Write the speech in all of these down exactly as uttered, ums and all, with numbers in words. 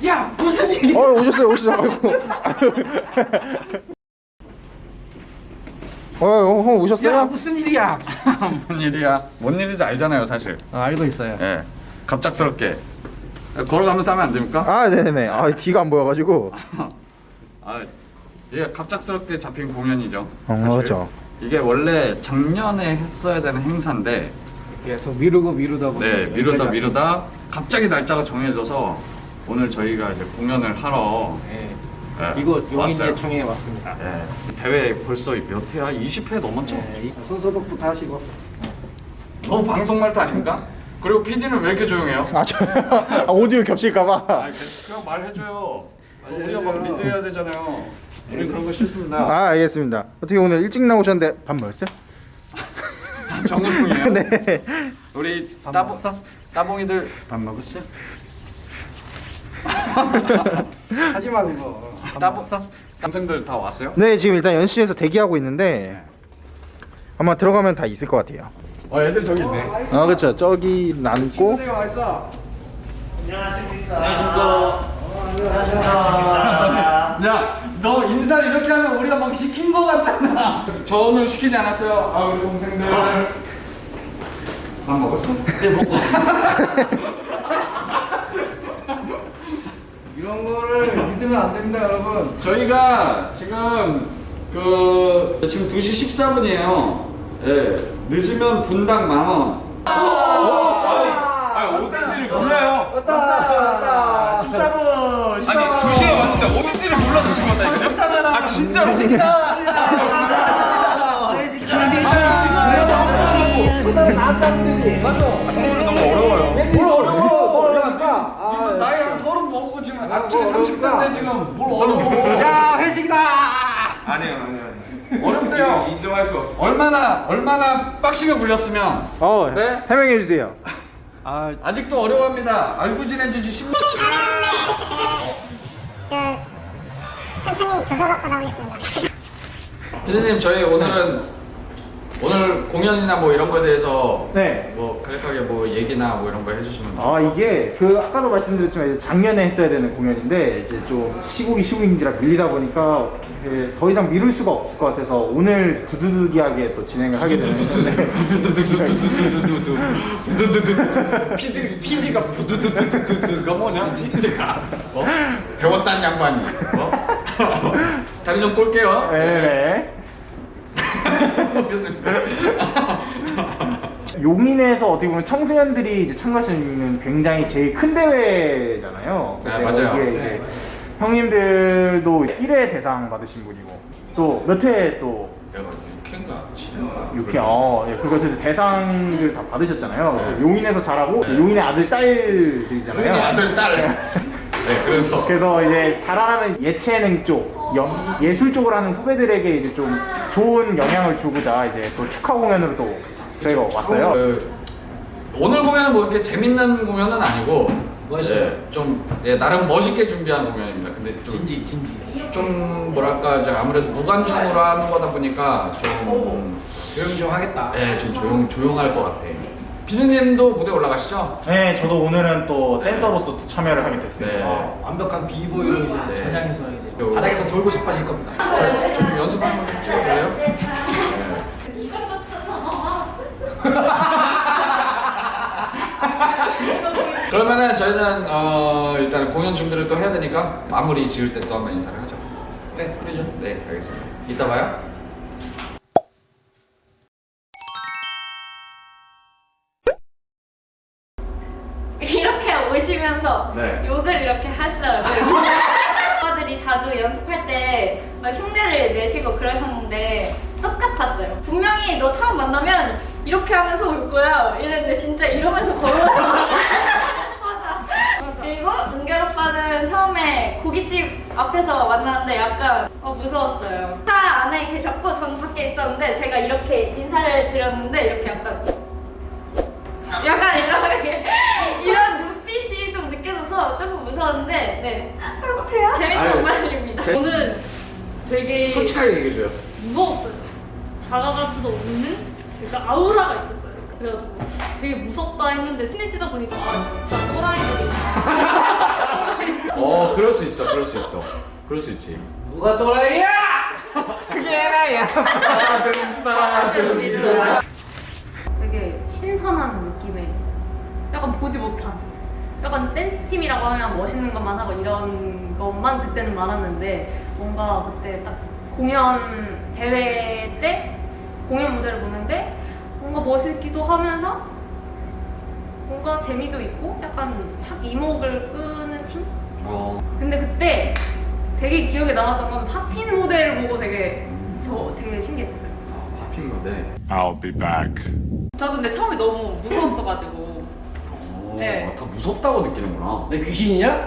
야 무슨 일이야? 어 오셨어요 오셨어요. 아이고. 어, 어, 형 오셨어요? 야 무슨 일이야? 뭔 일이야? 뭔 일인지 알잖아요, 사실. 아, 알고 있어요. 예. 갑작스럽게 걸어가면서 하면 안 됩니까? 아 네네네. 아 뒤가 안 보여가지고. 아, 이게 갑작스럽게 잡힌 공연이죠. 어 사실. 그렇죠. 이게 원래 작년에 했어야 되는 행사인데, 계속 미루고 미루다 보니 네, 미루다 여기까지 미루다 갑자기 날짜가 정해져서 오늘 저희가 이제 공연을 하러 왔습니다. 네. 예, 이곳 왔어요. 용인예총에 왔습니다. 예, 대회 벌써 몇 회야? 이십 회 넘었죠? 네, 이 손소독부터 하시고. 너무 방송 말투 아닙니까? 그리고 피디는 왜 이렇게 조용해요? 아 저 아, 오디오 겹칠까봐. 아, 그냥 말해줘요. 우리가 막 리드해야 되잖아요. 우리 그런 거 싫습니다. 아 알겠습니다. 어떻게 오늘 일찍 나오셨는데 밥 먹었어요? 정우승이에요. 네. 우리 밥 따봉 먹었어? 따봉이들 밥 먹었어? 하지 마 그거. 따봉 동생들 다 왔어요? 네 지금 일단 연시에서 대기하고 있는데 아마 들어가면 다 있을 것 같아요. 어, 애들 저기 있네. 아 그렇죠. 저기 남고. 친구들이 와 있어. 야, 너 인사 이렇게 하면 우리가 막 시킨 거 같잖아. 저는 시키지 않았어요. 아, 우리 동생들. 밥 먹었어? 네, 먹고. 이런 거를 믿으면 안 됩니다, 여러분. 저희가 지금 그 지금 두 시 십사 분이에요. 예. 늦으면 분당 만 원. 아 어딘지를 몰라요. 왔다, 왔다. 십사 분. 아니 두 시에 왔는데 어딘지를 몰라서 지금 왔다니까요? 아 진짜로? 나한테 하면 되지. 맞아. 이거는 너무 어려워요. 뭘 어려워? 어려우니까. 이거 아, 나이 한 서른 먹고 지금 뭐, 앞쪽에 뭐 삼십 대인데 어려울까? 지금 뭘 어려워? 야 회식이다. 아니에요 아니에요. 어렵대요. 인정할 수 없어. 얼마나 얼마나 빡시게 굴렸으면 어 네? 해명해 주세요. 아 아직도 어려워합니다. 알고 지낸 지 십 년. 저 천천히 조사 받고 나오겠습니다. 피디님 저희 오늘은 오늘 공연이나 뭐 이런 거에 대해서 네. 뭐 간략하게 뭐 얘기나 뭐 이런 거 해주시면 아 이게 그 아까도 말씀드렸지만 이제 작년에 했어야 되는 공연인데 이제 좀 시국이 시국인지라 밀리다 보니까 어떻게 더 이상 미룰 수가 없을 것 같아서 오늘 부두두기하게 또 진행을 하게 되는 건데 부두두기하게 피디 피디가 부두두두두두가 뭐냐? 피디가 어? 배웠다는 양반이 어? 다리 좀 꼴게요. 네네. 알겠습니다. 용인에서 어떻게 보면 청소년들이 이제 참가할 수 있는 굉장히 제일 큰 대회잖아요. 네, 근데 맞아요. 여기에 이제 형님들도 일 회 대상 받으신 분이고 또 몇 회 또 내가 육 회인가 칠 회인가 육 회 어, 예, 그거 어쨌든 대상을 다 받으셨잖아요. 용인에서 자라고 용인의 아들 딸들이잖아요. 형님 아들 딸. 네 그래서 그래서 이제 자라나는 예체능 쪽, 연, 예술 쪽을 하는 후배들에게 이제 좀 좋은 영향을 주고자 이제 또 축하 공연으로 또 저희가 왔어요. 그, 오늘 공연은 뭐 이렇게 재밌는 공연은 아니고 멋있어요. 예, 좀 예, 나름 멋있게 준비한 공연입니다. 근데 좀, 진지 진지. 좀 뭐랄까 이제 아무래도 무관중으로 하는 거다 보니까 좀 조용 좀 하겠다. 예, 좀 조용 조용할 것 같아. 피디님도 무대 올라가시죠? 네, 저도 오늘은 또 댄서로서 또 참여를 하게 됐습니다. 네. 어, 완벽한 비보이로 이제 네. 전향해서 이제 요- 바닥에서 돌고 자빠질 겁니다. 저, 좀 연습 한번 좀 찍어볼래요? 네. 그러면은 저희는 어, 일단 공연 준비를 또 해야 되니까 마무리 지을 때 또 한번 인사를 하죠. 네, 그러죠. 네, 알겠습니다. 이따 봐요. 이렇게 오시면서 네. 욕을 이렇게 하시더라고요. 오빠들이 자주 연습할 때 막 흉내를 내시고 그러셨는데 똑같았어요. 분명히 너 처음 만나면 이렇게 하면서 올 거야 이랬는데 진짜 이러면서 걸어오셨어요. 맞아. 그리고 은결 오빠는 처음에 고깃집 앞에서 만났는데 약간 어, 무서웠어요. 차 안에 계셨고 전 밖에 있었는데 제가 이렇게 인사를 드렸는데 이렇게 약간 약간 이런 이런 눈빛이 좀 느껴져서 조금 무서웠는데 네 재밌는 아유, 공연입니다. 제- 저는 되게 솔직하게 얘기해줘요. 무서웠어요. 다가갈 수도 없는 약간 아우라가 있었어요. 그래가지고 되게 무섭다 했는데 친해지다 보니까 아 진짜 또라이들이 어, 그럴 수 있어, 그럴 수 있어. 그럴 수 있지. 누가 또라이야? 그게 나야. 되게 신선한 느낌의 약간 보지 못한 약간 댄스 팀이라고 하면 멋있는 것만 하고 이런 것만 그때는 많았는데 뭔가 그때 딱 공연 대회 때 공연 무대를 보는데 뭔가 멋있기도 하면서 뭔가 재미도 있고 약간 확 이목을 끄는 팀? 어. 근데 그때 되게 기억에 남았던 건 팝핀 무대를 보고 되게 저 되게 신기했어요. 아, 팝핑 무대. I'll be back. 저도 근데 처음에 너무 무서웠어가지고 오, 네. 다 무섭다고 느끼는구나. 내 귀신이냐?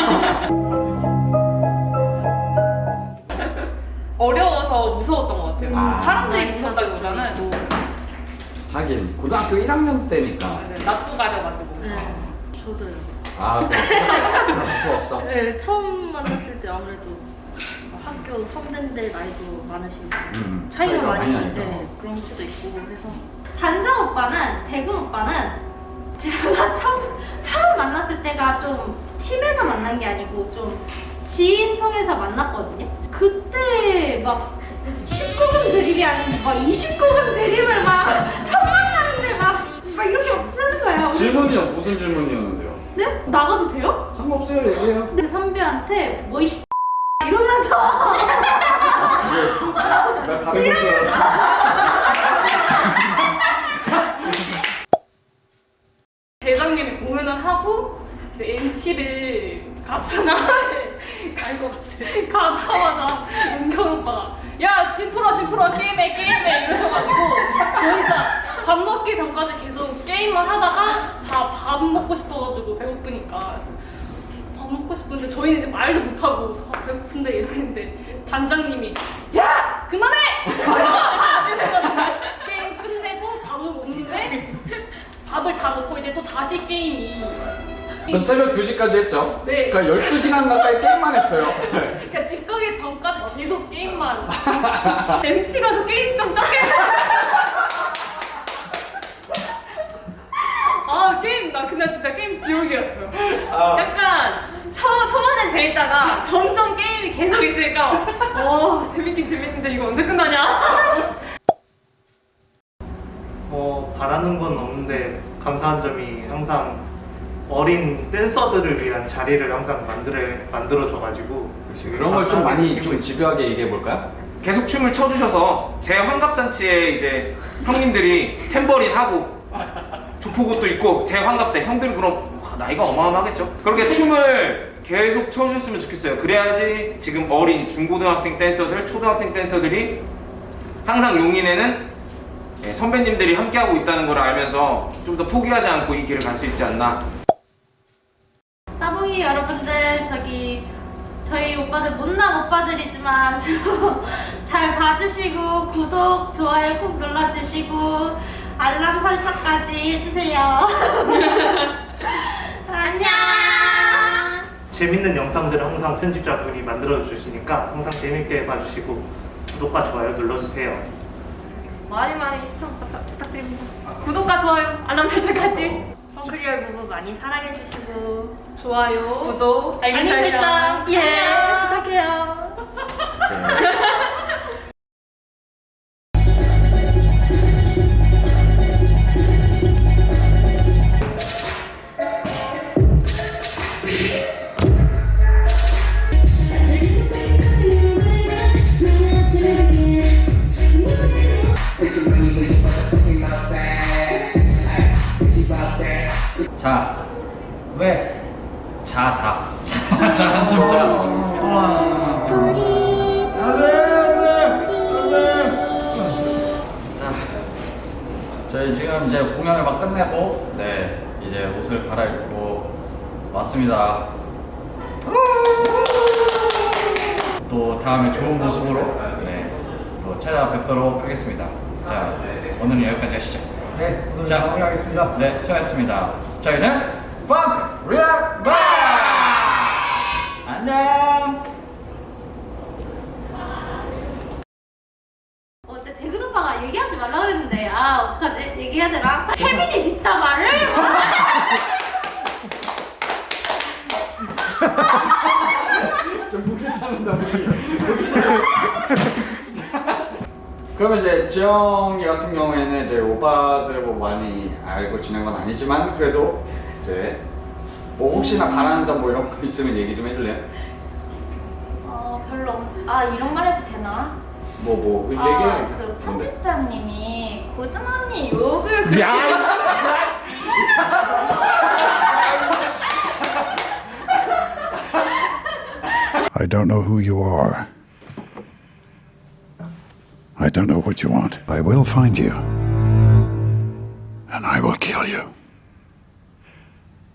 어려워서 무서웠던 것 같아요. 아. 사람들이 무섭다기보다는 하긴 고등학교 일 학년 때니까. 낯도 가져가지고. 저도요. 아, 그래. 무서웠어. 네, 처음 만났을 때 아무래도 학교 선배인데 나이도 많으시고 음, 차이가, 차이가 많이 많이 나니까. 네, 그런 수도 있고 그래서 단장 오빠는, 대근 오빠는 제가 처음, 처음 만났을 때가 좀 팀에서 만난 게 아니고 좀 지인 통해서 만났거든요. 그때 막 십구 금 드립이 아니고 막 이십구 금 드립을 막 처음 만났는데 막, 막 이렇게 막 쓰는 거예요. 질문이요? 무슨 질문이었는데요? 네? 나가도 돼요? 상관없어요, 얘기해요. 근데 선배한테 뭐 이 이러면서 그거였어? 나 다른 걸 줄 알았어. 재작년에 공연을 하고 이제 엠티를 갔으나에 갈것 같아. 가자마자 은경 오빠가 야, 집 풀어, 집 풀어, 게임해, 게임해 이러셔가지고 저 진짜 밥 먹기 전까지 계속 게임을 하다가 다 밥 먹고 싶어가지고 배고프니까 밥 먹고 싶은데 저희는 이제 말도 못하고 아, 배고픈데 이러는데 단장님이 야! 그만해! 이래가지고 게임 끝내고 밥을 먹는데 밥을 다 먹고 이제 또 다시 게임이 그래서 새벽 두 시까지 했죠? 네. 그러니까 열두 시간 가까이 게임만 했어요. 그러니까 집 가기 전까지 계속 게임만 엠티 가서 게임 좀 적게 아 게임 나 그날 진짜 게임 지옥이었어. 약간 초, 초반엔 재밌다가 점점 게임이 계속 있으니까 와 재밌긴 재밌는데 이거 언제 끝나냐. 뭐 바라는 건 없는데 감사한 점이 항상 어린 댄서들을 위한 자리를 항상 만들어 만들어줘가지고 그런 걸 좀 많이 좀 집요하게 얘기해 볼까요? 계속 춤을 춰주셔서 제 환갑잔치에 이제 형님들이 탬버린 하고 조폭옷도 입고 제 환갑 때 형들은 그럼 와, 나이가 어마어마하겠죠. 그렇게 춤을 계속 춰주셨으면 좋겠어요. 그래야지 지금 어린 중고등학생 댄서들, 초등학생 댄서들이 항상 용인에는 네, 선배님들이 함께하고 있다는 걸 알면서 좀 더 포기하지 않고 이 길을 갈 수 있지 않나. 따봉이 여러분들, 저기 저희 오빠들 못난 오빠들이지만 잘 봐주시고 구독, 좋아요 꼭 눌러주시고 알람 설정까지 해주세요. 안녕. 재밌는 영상들을 항상 편집자분이 만들어 주시니까 항상 재밌게 봐주시고 구독과 좋아요 눌러주세요. 많이 많이 시청 부탁, 부탁드립니다. 구독과 좋아요, 알람 설정까지. 펑크리얼 부부 많이 사랑해주시고 좋아요, 구독, 알림 알림 설정, 설정. 예 안녕. 부탁해요. 자, 왜? 자, 자. 자, 자, 진짜. 자, 저희 지금 이제 공연을 막 끝내고, 네, 이제 옷을 갈아입고 왔습니다. 또 다음에 좋은 모습으로, 네, 또 찾아뵙도록 하겠습니다. 자, 오늘은 여기까지 하시죠. 네, 오늘 자, 마무리하겠습니다. 네, 수고하셨습니다. 저희는 펑크 리얼 바! 안녕! 어제 대근 오빠가 얘기하지 말라 그랬는데 아 어떡하지? 얘기해야 되나? 혜민이 뒷담화를? 참는다 무기. 그러면 이제 지영이 같은 경우에는 이제 오빠들을 뭐 많이 알고 지낸 건 아니지만 그래도 이제 뭐 혹시나 바라는 점 뭐 이런 거 있으면 얘기 좀 해줄래요? 어 별로 없... 아 이런 말 해도 되나? 뭐 뭐 얘기해. 아그 편집자님이 고든 언니 욕을 그렇게 I don't know who you are. I don't know what you want. I will find you. And I will kill you.